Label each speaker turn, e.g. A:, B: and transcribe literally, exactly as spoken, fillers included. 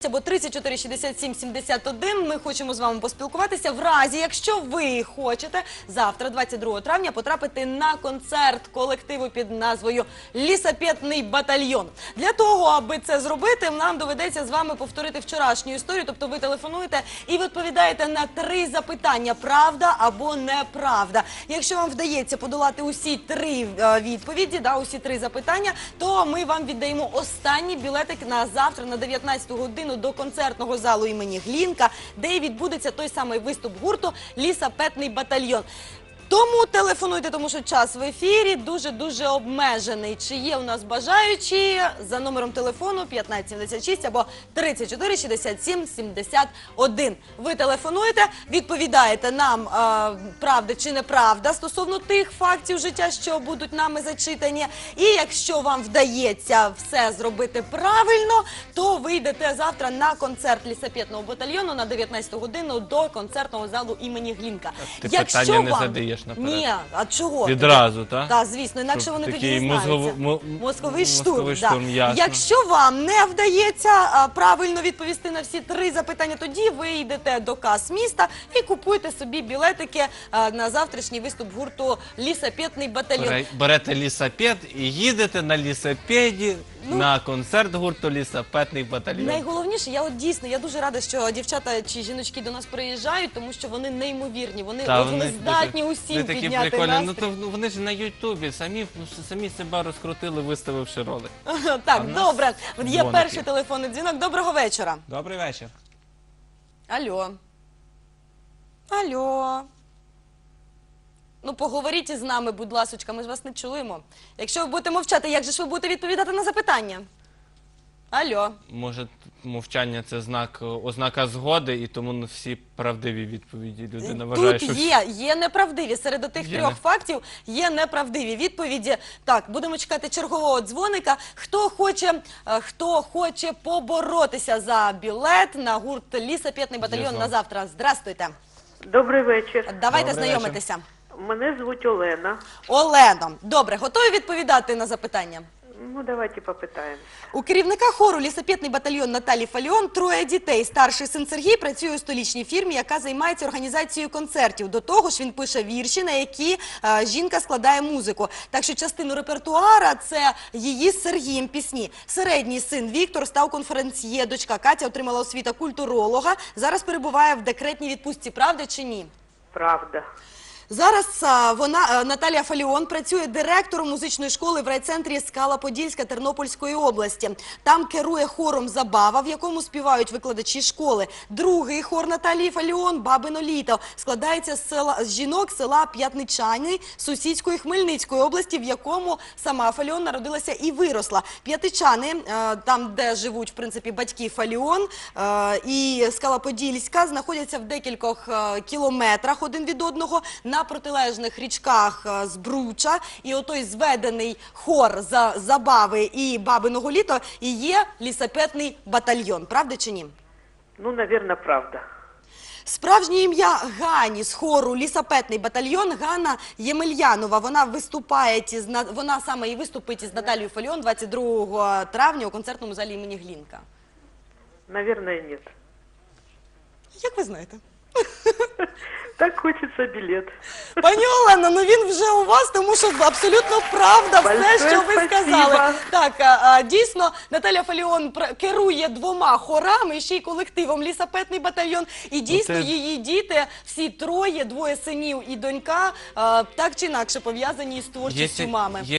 A: або тридцять чотири шістдесят сім сімдесят один. Ми хочемо з вами поспілкуватися в разі, якщо ви хочете завтра, двадцять другого травня, потрапити на концерт колективу під назвою «Лісапетний батальйон». Для того, аби це зробити, нам доведеться з вами повторити вчорашню історію, тобто ви телефонуєте і відповідаєте на три запитання – правда або неправда. Якщо вам вдається подолати усі три е, відповіді, да, усі три запитання, то ми вам віддаємо останній білетик на завтра на дев'ятнадцяту годину до концертного залу імені Глінка, де і відбудеться той самий виступ гурту «Лісапетний батальйон». Тому телефонуйте, тому що час в ефірі дуже-дуже обмежений. Чи є у нас бажаючі за номером телефону п'ятнадцять сімдесят шість або тридцять чотири шістдесят сім сімдесят один. Ви телефонуєте, відповідаєте нам, е, правда чи неправда стосовно тих фактів життя, що будуть нами зачитані. І якщо вам вдається все зробити правильно, то ви йдете завтра на концерт «Лісапетного батальйону» на дев'ятнадцяту годину до концертного залу імені Глінка.
B: Ти
A: Якщо
B: питання не
A: вам...
B: задаєш наперед?
A: Ні, а чого?
B: Відразу, так?
A: Так, звісно, інакше
B: Щоб
A: вони тоді
B: такий
A: дізнаються.
B: мозгово- мо-
A: Мозковий штурм.
B: мозковий
A: да.
B: штурм, ясно.
A: Якщо вам не вдається а, правильно відповісти на всі три запитання, тоді ви йдете до кас міста і купуєте собі білетики а, на завтрашній виступ гурту «Лісапетний батальйон».
B: Бере- Берете лісапет і їдете на лісапеді
A: Ну,
B: на концерт гурту «Лісапетний батальйон».
A: Найголовніше, я от дійсно, я дуже рада, що дівчата чи жіночки до нас приїжджають, тому що вони неймовірні, вони,
B: Та,
A: от вони здатні
B: вони
A: усім
B: такі
A: підняти
B: прикольні.
A: настрій.
B: Ну, то, ну, вони ж на Ютубі самі, самі себе розкрутили, виставивши ролик.
A: Так,
B: А в нас
A: добре. От є
B: дзвоник
A: перший
B: є.
A: телефонний дзвінок. Доброго вечора.
B: Добрий вечір.
A: Алло. Алло. Ну, поговоріть із нами, будь ласочка, ми ж вас не чуємо. Якщо ви будете мовчати, як же ж ви будете відповідати на запитання? Алло.
B: Може, мовчання – це знак, ознака згоди, і тому не всі правдиві відповіді людина вважає,
A: Тут
B: що...
A: є, є неправдиві. Серед тих
B: Є
A: трьох
B: не-
A: фактів є неправдиві відповіді. Так, будемо чекати чергового дзвоника. Хто хоче, е, хто хоче поборотися за білет на гурт «Лісапетний батальйон»
B: Є
A: на завтра? Здрастуйте.
C: Добрий вечір.
A: Давайте
B: Добрий
A: знайомитися.
C: Мене звуть Олена.
A: Олено. Добре, готові відповідати на запитання?
C: Ну, давайте попитаємо.
A: У керівника хору «Лісапетний батальйон» Наталі Фаліон троє дітей. Старший син Сергій працює у столичній фірмі, яка займається організацією концертів. До того ж він пише вірші, на які е, жінка складає музику. Так що частину репертуара – це її з Сергієм пісні. Середній син Віктор став конференціє, дочка Катя отримала освіту культуролога. Зараз перебуває в декретній відпустці. Правда чи ні?
C: Правда.
A: Зараз а, вона, а, Наталія Фаліон, працює директором музичної школи в райцентрі Скала-Подільська Тернопільської області. Там керує хором «Забава», в якому співають викладачі школи. Другий хор Наталії Фаліон «Бабино літо» складається з, села, з жінок села П'ятничани сусідської Хмельницької області, в якому сама Фаліон народилася і виросла. П'ятичани, а, там де живуть, в принципі, батьки Фаліон, а, і Скала-Подільська знаходяться в декількох а, кілометрах один від одного, на протилежних річках е, Збруча, і отой зведений хор за «Забави» і «Бабиного літа» і є «Лісапетний батальйон». Правда чи ні?
C: Ну, навірно, правда.
A: Справжнє ім'я Гані з хору «Лісапетний батальйон» Ганна Ємельянова. Вона виступає, із, на- вона саме і виступить із Наталією Фаліон двадцять другого травня у концертному залі імені Глінка.
C: Наверное, нет.
A: Як ви знаєте?
C: Так хочеться білет.
A: Пані Олено, ну він вже у вас, тому що абсолютно правда все,
C: Большое
A: що ви
C: спасибо.
A: сказали. Так, а, а, дійсно, Наталя Фаліон пр- керує двома хорами, ще й колективом «Лісапетний батальйон». І дійсно
B: це-
A: її діти, всі троє, двоє синів і донька, а, так чи інакше пов'язані з творчістю
B: Є-
A: мами.
B: є